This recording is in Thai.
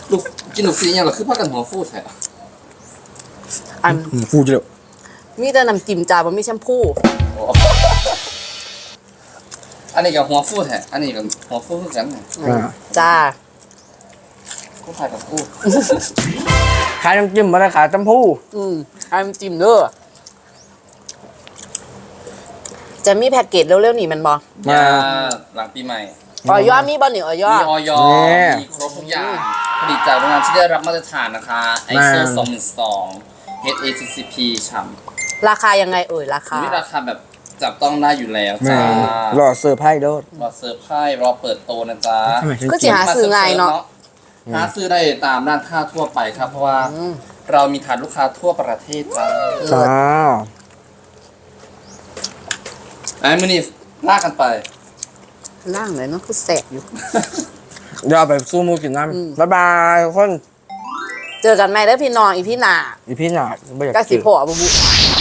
ลูกกินลูกซีเนี่ยเหรอคือพักกันหัวฟูแท้อันฟูจิ๋วมีแต่น้ำจิ้มจ้าบ่มีแชมพูอันนี้กับหัวฟูแท้อันนี้กับหัวฟูคือกันจ้ากูขายกับฟูขายน้ำจิ้มมาได้ขายน้ำผู้อันน้ำจิ้มเด้อจะมีแพ็กเกจเร็วๆนี่มันบ่ยาหลังปีใหม่ออยมีบ่นี่ออยมีออยมีครบทุกอย่างผลิตจากโรงงานที่ได้รับมาตรฐานนะคะ ISO 2002 HACCP ฉ่ำราคายังไงราคามีราคาแบบจับต้องได้อยู่แล้วจ้าหล่อเซอร์ไพรส์โดดรอเซอร์ไพรส์รอเปิดโตนะจ๊ะก็สิหาซื้อง่ายเนาะหาซื้อได้ตามร้านค้าทั่วไปครับ เพราะว่าเรามีฐานลูกค้าทั่วประเทศจ้าจ้าไอ้มื้อนี้ลากกันไปล่างเลยเนาะคือแสบอยู่เดี๋ยวเอาไปสู้มูกินน้ำบ๊ายบายทุกคนเจอกันไหมเด้อพี่น้องอีพี่หน้าอีพี่หนาไม่อยากก็สิกินพ่อบ่บุ